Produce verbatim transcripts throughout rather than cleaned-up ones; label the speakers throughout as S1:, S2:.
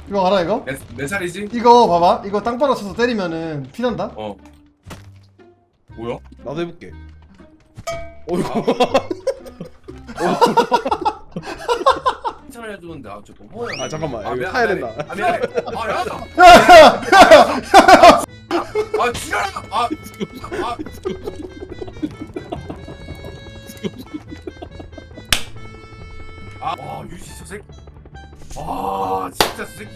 S1: 이거 알아 이거?
S2: 내, 내 살이지?
S1: 이거 봐봐. 이거 땅바닥 쳐서 때리면은 피난다.
S2: 어. 뭐야?
S3: 나도 해볼게. 어이구.
S2: 칭찬을 해주는데 아 저거 뭐야?
S3: 아 잠깐만.
S2: 아,
S3: 여기
S2: 미안,
S3: 타야
S2: 미안해.
S3: 된다.
S2: 아 미안해. 아 야. 아 지랄아. 아. 아. 아, 와 유시 저 새끼. 와 진짜 저 새끼.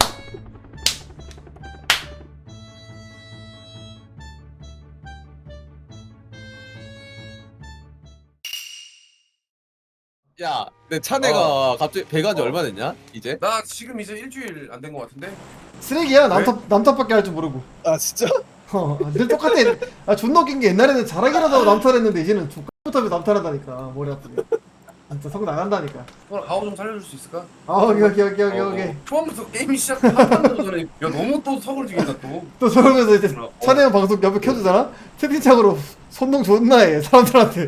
S4: 야, 내 차내가
S2: 어.
S4: 갑자기 배가 지
S2: 어.
S4: 얼마 됐냐? 이제?
S2: 나 지금 이제 일주일 안 된 것 같은데?
S1: 쓰레기야. 남탑 남탑밖에 할 줄 모르고.
S3: 아 진짜?
S1: 어, 늘 똑같아. 아 존나 웃긴 게 옛날에는 잘하기라도 하고 남탈했는데 이제는 X부터 남탈한다니까. 머리 아프네. 진짜 성 나간다니까.
S2: 오늘 아우 좀 살려줄 수 있을까?
S1: 아 오케이 오케이 오케이 오케이
S2: 어,
S1: 오케이.
S2: 어. 처음부터 게임이 시작 한 번도 전에 야 너무 또 석을 죽인다 또.
S1: 또 저러면서 이제
S2: 어.
S1: 차내형 방송 옆에 켜주잖아? 채팅창으로 손동 존나 해 사람들한테.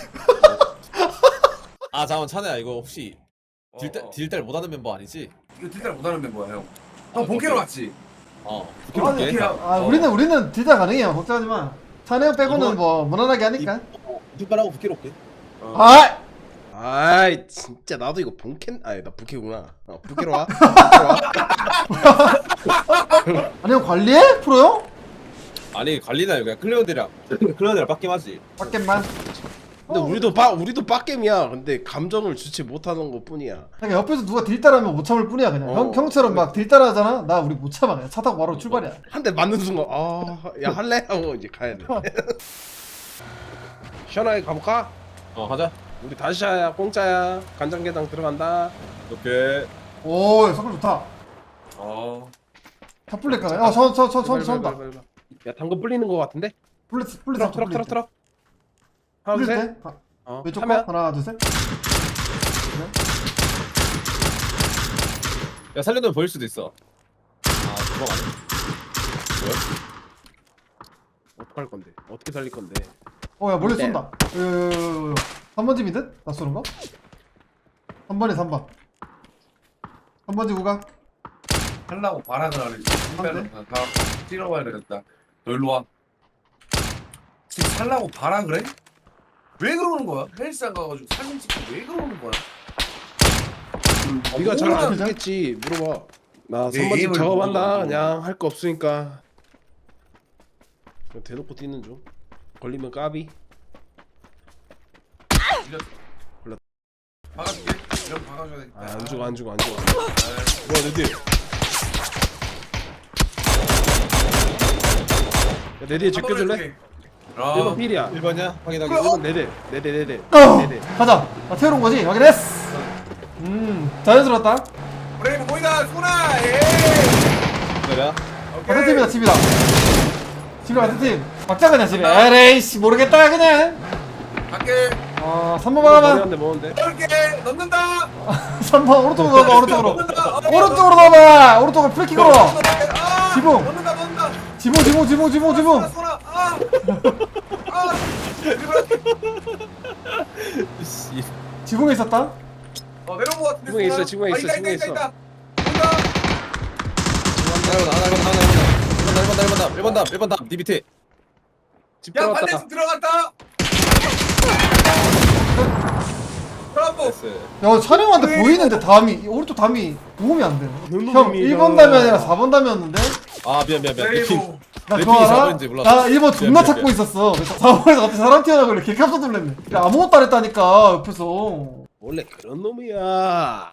S4: 아, 잠깐만, 차내야, 이거 혹시 딜달,
S2: 어, 어.
S4: 딜달 못하는 member 아니지?
S2: 이거 딜달 못하는 멤버야 형.
S4: 아,
S2: 형 본캐로
S4: 오케이.
S2: 왔지?
S4: 어,
S2: 아,
S4: 부끄럽게.
S2: 오케이.
S1: 아
S2: 어.
S1: 우리는 우리는 딜다 가능해요. 걱정하지 마. 차내형 빼고는
S4: 이번-
S1: 뭐 무난하게 하니까.
S4: 뒷발하고 부끄럽게.
S2: 어.
S1: 아!
S3: 아이 진짜 나도 이거 본캔 아니 나 부캐구나. 어 부캐로 와. 부캐로 와.
S1: 아니 형 관리해? 프로요?
S4: 아니, 관리나 그냥 클리어들이랑, 클리어들이랑 빡김하지.
S1: 밖에만.
S3: 근데 우리도 빠 우리도 빡겜이야. 근데 감정을 주체 못하는 것 뿐이야.
S1: 그냥 옆에서 누가 딜 따라하면 못 참을 뿐이야 그냥.
S3: 어,
S1: 형, 형처럼 막 딜 따라하잖아? 나 우리 못 참아. 그냥 차 타고 바로 출발이야.
S3: 한 대 맞는 순간 아야 할래 하고 이제 가야 돼. 시원하게 가볼까?
S4: 어, 가자.
S3: 우리 다시야 공짜야. 간장게장 들어간다.
S4: 오케이.
S1: 오 석글 좋다.
S2: 어.
S1: 탑플렉 가네. 어저저저저 저다.
S3: 야 당근 불리는 것 같은데?
S1: 플랫 플랫
S3: 트럭 트럭 트럭 트럭. 하나
S1: 플랫
S3: 둘
S1: 때?
S3: 셋.
S1: 아,
S3: 어.
S1: 왼쪽
S3: 하면
S1: 거 하나 둘 셋.
S4: 야, 살려두면 보일 수도 있어. 아, 그거 아니야.
S3: 어떡할 건데? 어떻게 살릴 건데?
S1: 어야 멀리
S3: 네.
S1: 쏜다. 으 삼 번 집이 듯? 나 쏘는 거? 삼 번에 삼 번. 삼 번 지구가.
S2: 하려고 바람을 하네. 신발로 다 찔러봐야 되겠다. 너 일로 와. 지금 살라고 바라 그래? 왜 그러는 거야? 헬스장 가가지고 사진 찍고 왜 그러는 거야?
S3: 네가 잘
S2: 뭐야,
S3: 알겠지. 물어봐. 나
S2: 내
S3: 삼 번집
S2: 게임을
S3: 작업한다.
S2: 모르고.
S3: 그냥 할 거 없으니까. 그냥 대놓고 뛰는 중. 걸리면 까비. 골랐다.
S2: 박아줄게. 이런 박아줘야 되겠다.
S3: 아, 안 죽어 안 죽어 안 죽어. 뭐야 내 뒤에. 야, 내 뒤에 제껴줄래? 일 번
S2: 아,
S3: 필이야.
S4: 일 번이야? 확인하기.
S2: 그래,
S3: 일 번 네대 네대 네대
S1: 어!
S3: 네대.
S1: 가자. 나 태우러 온 거지? 확인했어. 음 자연스러웠다.
S2: 브레이브 보이다 소나. 예.
S4: 그래야?
S1: 같은 팀이다 집이다. 집이랑 같은 팀. 막자 그냥 집에. 에레이씨 모르겠다 그냥.
S2: 갈게.
S1: 어 삼 번 막아봐.
S3: 머리한대 먹었는데.
S2: 열게 넣는다.
S1: 삼 번 오른쪽으로 넣어봐 오른쪽으로.
S2: 넣는다. 어,
S1: 오른쪽으로 넣어봐. 오른쪽으로 프리킥으로.
S2: 아,
S1: 지붕.
S2: 넣는다 넣는다.
S1: 지붕 지붕 지붕 지붕 지붕.
S2: 소나 소나. 아. 아.
S4: 씨.
S1: 지붕에 있었다.
S2: 어 내려온 거 같은데.
S3: 지붕에 있어,
S2: 소나?
S3: 지붕에
S2: 아,
S3: 있어,
S2: 있다,
S3: 지붕에
S2: 있다,
S3: 있어.
S2: 있다, 있다.
S4: 하나, 하나, 하나, 하나, 일 번, 일 번, 일 번, 일 번, 일 번, 일 번, 네 밑에.
S3: 집
S2: 야
S3: 들어갔다.
S2: 반대쪽 들어갔다. 브라보.
S4: 나이스.
S1: 야 촬영한테 보이는데 담이 오른쪽 담이 도움이 안 돼.
S3: 너무
S1: 형
S3: 재미있다.
S1: 일 번 담이 아니라 사 번 담이었는데.
S4: 아, 미안, 미안, 미안. 내 팀.
S2: 브레이브.
S1: 나
S4: 내
S1: 그거
S4: 핑이 사
S1: 알아?
S4: 번인지 몰랐어.
S1: 나 일 번 존나
S4: 미안,
S1: 찾고
S4: 미안.
S1: 있었어. 그래서 사 번에서 갑자기 사람 튀어나오길래 개 깜짝 놀랐네. 야, 아무것도 안 했다니까 옆에서.
S3: 원래 그런 놈이야.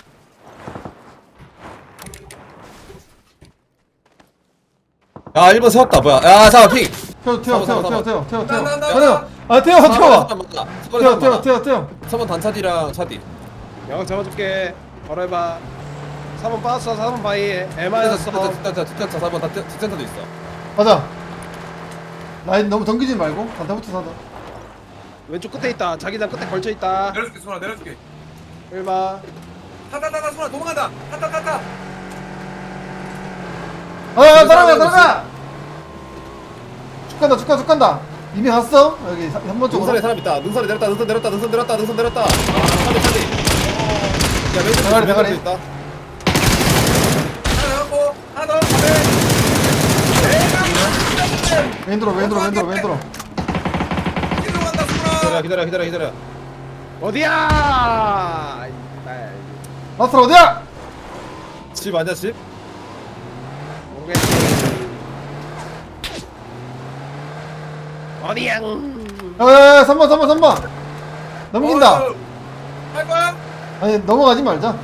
S4: 야, 일 번 세웠다, 뭐야. 야, 잠깐, 핑.
S1: 태워 태워 태워
S4: 삼 번,
S1: 태워 태워 태워 태워.
S2: 나, 나, 나,
S1: 태워.
S2: 나.
S1: 아 태워 태워. 태워 태워 태워
S4: 태워,
S1: 태워.
S4: 삼 번 단차디랑 차디.
S3: 야 잡아줄게. 바로 해봐. 사 번 빠졌어. 사 번 바이. 에마였어.
S4: 뒷단차, 뒷단차, 사 번 뒷단차도 있어.
S1: 맞아. 라인 너무 덤기지 말고 단타부터 사자.
S3: 왼쪽 끝에 있다. 자기장 끝에 걸쳐 있다.
S2: 내려줄게 소나 내려줄게.
S3: 일 번.
S2: 타타타타 소나 도망간다. 타타타타.
S1: 아 따라가 따라가. 쭉 간다 쭉 간다 쭉 간다. 이미 갔어 여기 삼 번 쪽으로.
S4: 능선에 사람 있다. 능선에 내렸다. 능선 내렸다. 능선 내렸다. 능선 내렸다. 아, 차디, 차디. 야, 왼쪽
S1: 대가리, 대가리.
S4: 있다.
S2: 하나 나갔고.
S1: 왼 들어 왼 들어 왼 들어 왼 들어.
S2: 뒤로 간다
S4: 기다려
S2: 수라.
S4: 기다려 기다려 기다려.
S3: 어디야?
S1: 라스트 어디야?
S4: 집 아니야 집?
S3: 모르겠지. 어디야?
S1: 에 삼 번 삼 번 삼 번 넘긴다.
S2: 어, 할 거야?
S1: 아니 넘어가지 말자.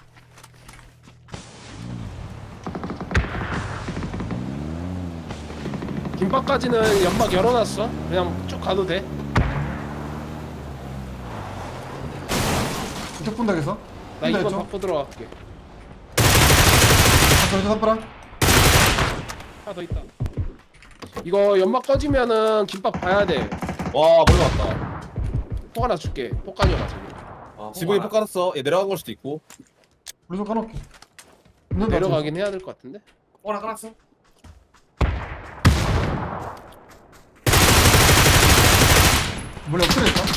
S3: 김밥까지는 연막 열어놨어. 그냥 쭉 가도 돼.
S1: 이쪽 분다 그래서.
S3: 나
S1: 분다
S3: 이번
S1: 이쪽.
S3: 바꿔 들어갈게.
S1: 저쪽 삼바랑.
S3: 하나 더 있다. 이거 연막 꺼지면은 김밥 봐야 돼.
S4: 와 머리 왔다.
S3: 폭 하나 줄게. 폭간이어가 저기.
S2: 아,
S4: 지붕이 폭 깔았어. 얘 내려간 걸 수도 있고.
S1: 우리 좀 까놓게. 있는다,
S3: 내려가긴 해야 될 것 같은데.
S2: 하나 깔았어.
S1: 저기. 원래 엎드려 있다.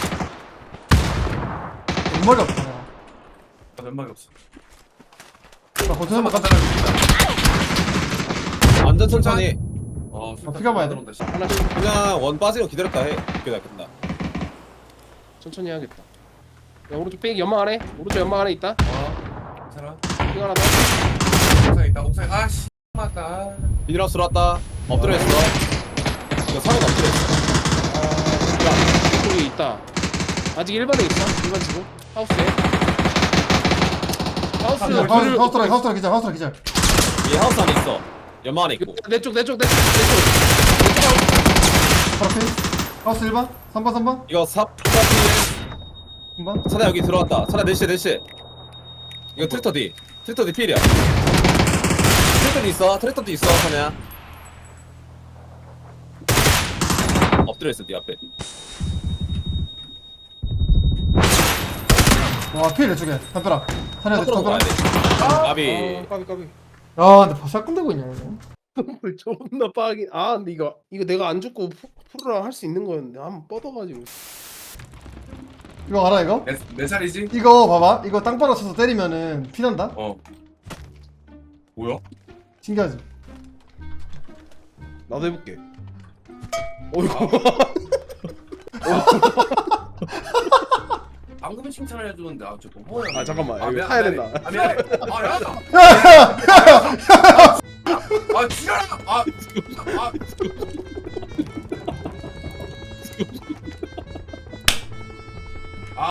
S1: 머리 없다. 야.
S2: 아, 면막이 없어.
S1: 나 거기서 한번
S2: 간다.
S4: 완전 천천히.
S2: 어,
S1: 아, 피가 봐야 돼.
S2: 들어온다, 씨.
S3: 하나씩
S4: 그냥 원 빠지고 기다렸다 해. 그게 낫겠다.
S3: 천천히 해야겠다. 야 오른쪽 뺑 연막 안에. 오른쪽 연막 안에 있다.
S2: 어, 괜찮아.
S3: 뺑 하나 더.
S2: 옥상에 있다. 옥상에. 아, 씨. 맞다.
S4: 비닐하우스로 왔다. 엎드려 있어. 이거 상은 엎드려 있어.
S3: 야 이쪽에 있다. 아직 일 번에 있어. 일 번 지금 하우스에. 하우스
S1: 하우스
S3: 둘을-
S1: 하우스 트라이 하우스 트라이 기절 하우스 트라이 기절.
S4: 얘 하우스 안에 있어. 연마 안에 있고.
S3: 내쪽 내쪽 내쪽 내쪽.
S1: 바로 필. 하우스 일 번. 삼 번 삼 번.
S4: 이거 삽
S1: 삼 번.
S4: 차나 여기 들어왔다. 차나 넷시 넷시. 이거 트랙터 D. 트랙터 D 필이야. 트랙터 D 있어. 트랙터 D 있어. 차냐. 엎드려 있어. 네 앞에.
S1: 와 필 이쪽에. 담벼라. 사내야 돼.
S4: 밖으로
S1: 담벼라.
S4: 가야 돼. 아비.
S3: 아 까비 까비.
S1: 야 근데 샷 끝내고 있냐 이거.
S3: 존나 빠긴. 아 근데 이거 이거 내가 안 죽고 푸- 프로랑 할 수 있는 거였는데 한번 뻗어가지고.
S1: 이거 알아 이거?
S2: 내, 내 살이지?
S1: 이거 봐봐. 이거 땅바닥 쳐서 때리면은 피난다.
S2: 어. 뭐야?
S1: 신기하지?
S3: 나도 해볼게. 어이구.
S2: 방금 칭찬을 해주는데 아 저거 뭐야?
S3: 아 잠깐만.
S2: 아,
S3: 여기
S2: 미안,
S3: 타야
S2: 미안해.
S3: 된다.
S2: 아 미안해. 아 야다. 아 지랄아. 아. 아. 아.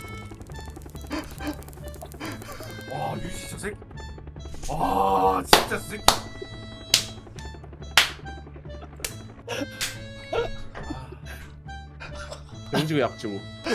S2: 와 유시 저 새끼. 와 진짜 저 새끼.
S3: 병지고 약주.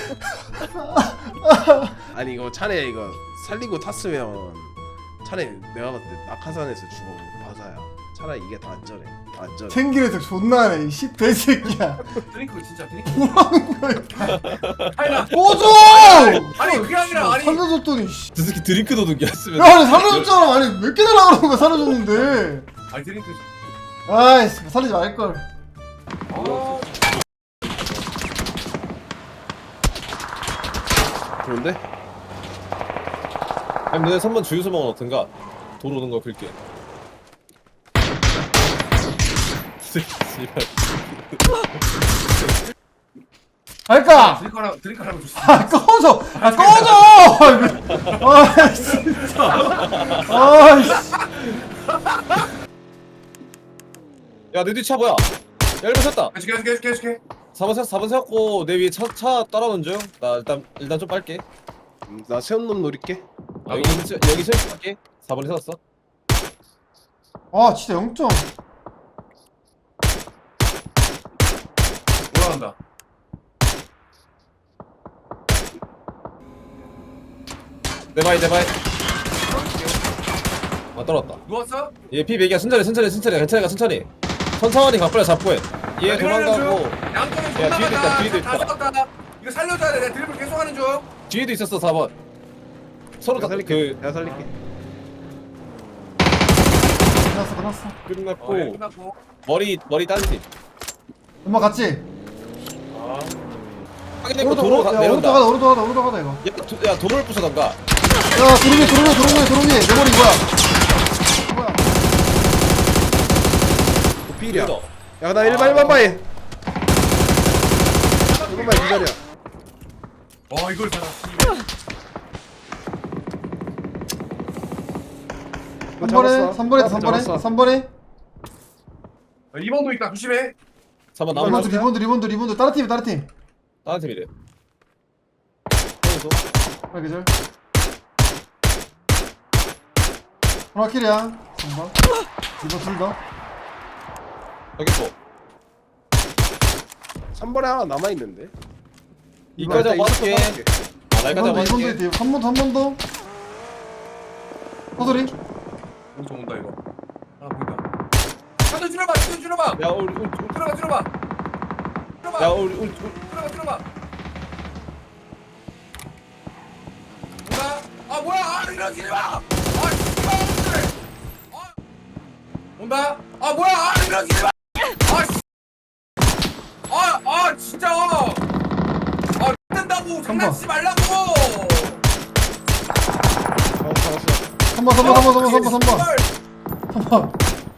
S3: 아니 이거 차례 이거 살리고 탔으면 차라리 내가 봤을 때 낙하산에서 죽어 바사야. 차라리 이게 더 안전해. 안전해.
S1: 챙기면서 존나 하네 이 씨대 새끼야.
S2: 드링크 진짜 드링크.
S1: 뭐하는 거야?
S2: 하이나.
S1: 꺼져!
S2: 아니 그게 아니라 아니.
S1: 살려줬더니 씨.
S4: 저 새끼 드링크 도둑이 했으면.
S1: 야 아니 살려줬잖아. 아니 몇 개 달라고 그러는 거야 살려줬는데.
S2: 아니 드링크.
S1: 아이씨 살리지 말걸.
S2: 아.
S3: 좋은데?
S4: 아니 너네 삼 번 주유소 먹은 어떤가? 도로 오는 거 긁게. 씨발.
S1: 할까?
S2: 드링크 하나 드링크 하나 줬어.
S1: 아 꺼져! 아 꺼져! 아 진짜. 아이씨.
S4: 야, 내 뒤 차 뭐야? 야, 일 번 섰다.
S2: 계속 계속 계속 계속 해.
S4: 사 번 섰, 사 번 세웠고 내 위에 차, 차 따라오는 중. 나 일단 일단 좀 빨게.
S3: 음, 나 세운 놈 노릴게.
S4: 아, 여기 세- 여기 세우고 갈게. 사 번에 세웠어.
S1: 아 진짜 영 점.
S2: 올라간다.
S4: 내 바이 내 바이. 아 떨어졌다.
S2: 누웠어?
S4: 얘 피 백이야. 천천히 천천히 천천히 괜찮아 천천히. 천천히 각벌려 잡고 해. 얘 도망가고
S2: 양쪽에
S4: 야,
S2: 존나
S4: 뒤에도 있다,
S2: 많아.
S4: 뒤에도
S2: 다
S4: 있다.
S2: 썩었다. 이거 살려줘야 돼. 내가 드리블 계속 하는 중.
S4: 뒤에도 있었어 사 번. 서로
S3: 내가
S4: 다
S3: 살릴게.
S4: 그
S3: 내가 살릴게.
S1: 끝났어 끝났어.
S4: 끝났고
S2: 어, 예, 끝났고.
S4: 머리 머리 딴지.
S1: 엄마 갔지?
S4: 확인했고
S1: 오른쪽
S4: 도로
S1: 오른쪽
S4: 가-
S1: 야, 오른쪽
S4: 내려온다.
S1: 가다 오른쪽 가다 오른쪽 가다 이거.
S4: 야, 도, 야 도로를 부숴던가.
S1: 야 도롱이 도롱이 도롱이 도롱이 내 머리 뭐야? 뭐야?
S3: 그 필이야.
S4: 이거.
S3: 야나 일반 일반 바이 일반 바이 기다려.
S2: 와 이걸 살았지.
S1: 삼 번에 삼 번에 삼 번에 삼 번에
S2: 이 번도 있다 조심해.
S4: 삼 번 나무
S1: 리본드 리본드 리본드 리본드 다른 팀 다른 팀
S4: 다른 팀이래.
S1: 하나 계절 하나 킬이야 삼 번 이번 둘다
S4: 여기 또.
S3: 삼 번에 하나 남아 있는데.
S4: 이까지 하고 할게. 아, 나까지 하고
S1: 이번도
S4: 할게.
S1: 이번도 한 번 더 한 번 더 허소리
S2: 오른쪽 온다 이거. 하나 보인다. 차도 줄여봐 차도 줄여봐.
S4: 야 우리 우리
S2: 들어가 줄여봐. 줄여봐.
S4: 야 우리 우리
S2: 들어가 줄여봐. 온다. 아 뭐야 아 이러지 마. 아 씨발. 아 온다. 아 뭐야 아 이러지 마. 아 씨. 아, 아 진짜. 아 된다고 장난치지 말라고.
S3: 어 잡았어.
S1: 삼 번 삼 번 삼 번 삼 번 삼 번 삼 번
S2: 씨발.
S1: 삼 번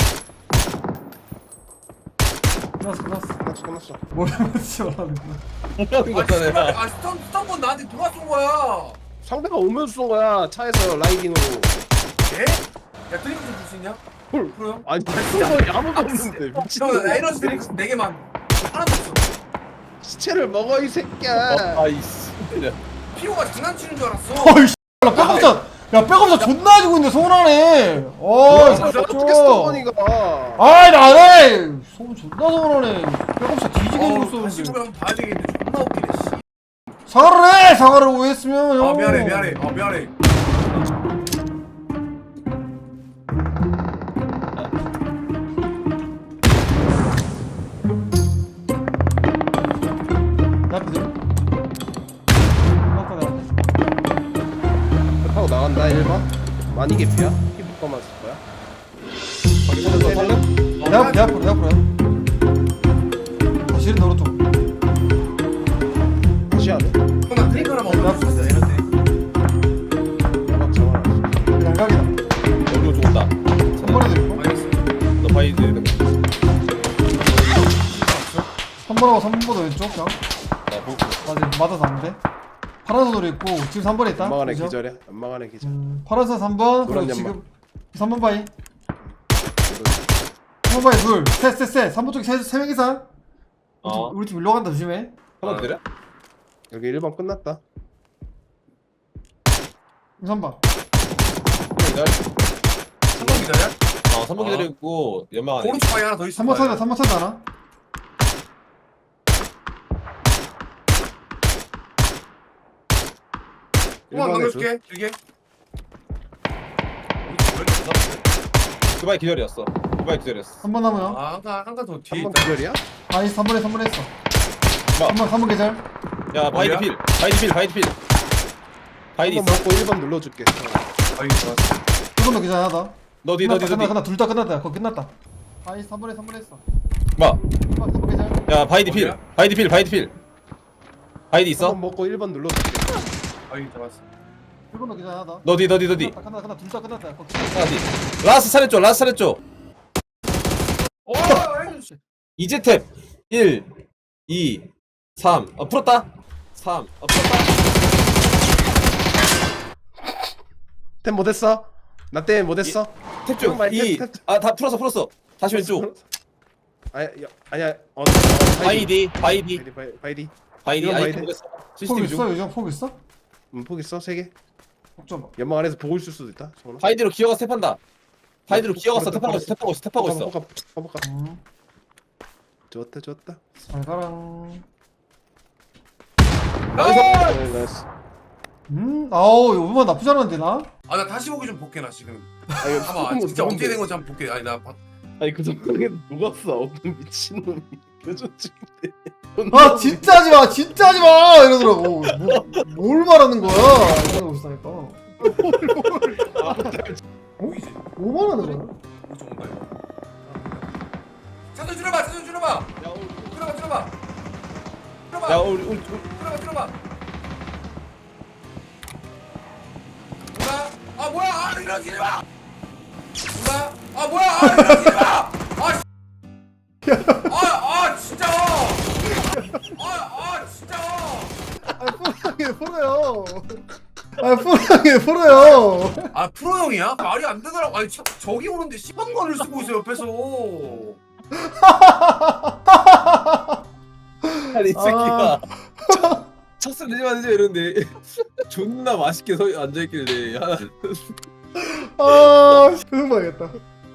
S1: 끝났어 끝났어
S3: 끝났어 끝났어.
S1: 뭘 하지 말라는 거야
S4: 뭐라는
S2: 아 씨발.
S4: 거잖아.
S2: 아 스턴 스턴본 나한테 누가 쏜 거야?
S3: 상대가 오면서 쏜 거야 차에서 라이딩으로.
S2: 예? 야 드링크 좀 줄 수 있냐?
S3: 헐.
S2: 그래요?
S3: 아니 쏜 거 아무도 없는데
S2: 형
S3: 미친놈.
S2: 에너지 드링크 네 개만. 하나도 없어.
S3: 시체를 먹어 이 새끼야.
S4: 아이씨.
S2: 피오가 장난치는 줄 알았어.
S1: 어이 씨 백업샷 야 백업샷 존나 해주고 있는데 서운하네 어이
S3: 아, 어떻게 쏜 거니까.
S1: 아이 나네 소문 존나 서운하네 백업샷 뒤지게 해주고
S2: 다시
S1: 있었는데
S2: 보면 봐야 되겠는데 존나 웃기네 씨.
S1: 사과를 해 사과를 오해했으면 형
S2: 아 미안해 미안해 아 미안해.
S1: 내 앞에 들어 아까 내 앞에
S3: 하고 나간다 일 번. 많이 개피야? 피부과만 쓸 거야?
S4: 살려 살려.
S1: 내 앞, 내 앞으로 내 앞으로 다시 이런 오른쪽
S3: 다시 하네.
S2: 형나 드링크 하나만 얻어 줬어 에너지.
S3: 연락 전화.
S1: 양각이다
S4: 여기로 죽었다.
S1: 한 번에도 있고
S2: 알겠어.
S4: 너 바이 내리는 거.
S1: 삼 번하고 삼 번보다 왼쪽 그냥
S4: 나 보고.
S1: 나 지금 맞아서 안 돼. 파란색 돌이 있고 지금 삼 번에 있다.
S3: 연막 안에
S1: 그죠?
S3: 기절이야. 연막 안에 기절.
S1: 음, 파란색 삼 번
S3: 노란
S1: 그리고
S3: 연막.
S1: 지금 삼 번 바이 삼 번 바이 둘셋셋셋 삼 번 쪽에 세, 세 명 이상 우리 팀,
S4: 어.
S1: 우리 팀 일로 간다 조심해.
S4: 하나 때려?
S3: 여기 일 번 끝났다.
S1: 삼 번
S4: 기다려.
S2: 삼 번 기다려.
S4: 어, 삼 번 기다리고 연막 안에.
S2: 오른쪽 방에 하나 더 있어.
S1: 삼 번 찾아 삼 번 찾아 하나.
S2: 한번
S3: 일 번에
S2: 넘겨줄게. 두 개.
S4: 그 바이 기다렸어. 그 바이 기다렸어.
S1: 삼 번 남아요.
S2: 아 한칸 한칸 더 뒤에
S3: 한 번
S2: 있다.
S3: 기절이야?
S1: 아니 삼 번에 삼 번에 했어.
S4: 뭐?
S1: 삼 번 삼 번 계절.
S4: 야 바이디
S2: 어디야?
S4: 필. 바이디 필. 바이디 필. 바이디
S3: 한 번
S4: 있어.
S3: 먹고 일 번 눌러줄게.
S2: 아 이거 좋았어.
S1: 두 번도 계절 하나.
S4: 너디 너디
S1: 끝났다
S4: 너디.
S1: 끝났다 둘 다 끝났다. 거기 끝났다. 아니 삼 번에 삼 번에 했어.
S4: 뭐?
S1: 삼 번 삼 번 계절.
S4: 야 바이디 필.
S2: 어디야?
S4: 바이디 필. 바이디 필. 바이디 있어?
S3: 한 번 먹고 일 번 눌러줄게.
S2: 아 이거 좋았어.
S1: 일 번도 계절 하나.
S4: 너디 너디 너디.
S1: 끝났다 끝났다 끝났다 둘 다 끝났다. 거기.
S4: 하나디. 라스트 차례 라스트 차례 쪽.
S2: 오 해주시.
S4: 이제 탭. 일, 이, 삼. 어 풀었다. 삼. 어 풀었다.
S3: 템 못했어? 나 때문에 못했어?
S4: 탭 쪽.
S3: 잠깐만,
S4: 이.
S3: 탭, 탭.
S4: 아 다 풀었어 풀었어. 다시 왼쪽.
S3: 아니 야, 아니야. 어, 어
S4: 바이디. 바이디.
S3: 바이디 바이- 바이디.
S4: 바이디.
S3: 이건
S4: 아이
S3: 바이디.
S4: 모르겠어.
S1: 폭
S4: 시스템
S1: 있어
S4: 중.
S1: 요즘 폭 있어?
S3: 음, 폭 있어 세 개.
S1: 폭 좀.
S3: 연막 안에서 보고 있을 수도 있다. 정원아.
S4: 바이디로 기어가서 탭한다. 바이디로
S3: 어,
S4: 기어가서
S3: 그렇다,
S4: 탭하고 있어. 탭하고 있어. 탭하고 있어.
S3: 가볼까, 가볼까.
S1: 음.
S3: 좋았다 좋았다.
S1: 잘 가랑.
S4: 나이스.
S3: 네, 나이스.
S1: 음. 아우 이거 음악 나쁘지 않은데 나?
S2: 아나 다시 보기 좀 볼게 나 지금.
S3: 아 이거
S2: 잠깐만 진짜 어떻게 된 건지 한번 볼게. 아니 나 봐.
S3: 아니 그 정도에 녹았어. 어떤 미친놈이 표정 찍는데.
S1: 아 진짜 하지 마, 진짜 하지 마 이러더라고. 뭐, 뭘 말하는 거야? 이러고 있으니까.
S2: 보이지?
S1: 뭐 말하는 거야?
S2: 오른쪽 온다 이거. 차도 줄여봐 차도 줄여봐.
S4: 야 우리
S2: 줄여봐 줄여봐.
S4: 야
S2: 줄여봐
S4: 우리 우리
S2: 줄여봐 줄여봐. 뭐야? 아 뭐야? 아 이러지 마. 뭐야? 아 뭐야? 아 이러지 마. 아. 씨. 아
S1: 프로요. 아 프로 형이에요 프로요.
S2: 아 프로 형이야? 말이 안 되더라고. 아니 저, 저기 오는데 시범건을 쓰고 있어 옆에서.
S4: 아니 이 새끼가 쳤을 내지 마지 이러는데 존나 맛있게 서 앉아있길래 야,
S1: 아 표정 봐야겠다.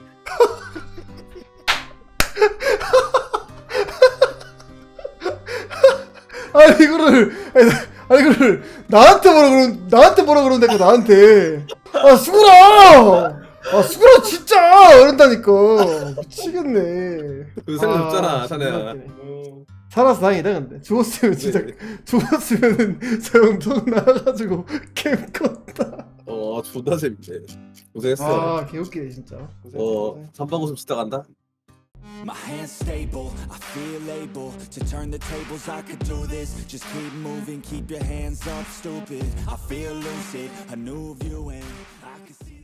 S1: 아니 이거를 아니, 아니 이거를 나한테 뭐라 그런 나한테 뭐라 그러는데 나한테 아 수그라 아 수그라 진짜 이런다니까 미치겠네.
S4: 그 생각
S1: 아,
S4: 없잖아
S1: 진짜
S4: 자네야.
S1: 웃기네. 살아서 다행이다 근데 죽었으면 진짜 죽었으면은 저 영통 나가가지고 캠 껐다.
S4: 어 존나 재밌네. 고생했어.
S1: 아 개웃기네 진짜.
S4: 어 삼방고슴 진짜 간다.
S5: My hands stable, I feel able to turn the tables, I could do this. Just keep moving, keep your hands up, stupid. I feel lucid, a new view and I can see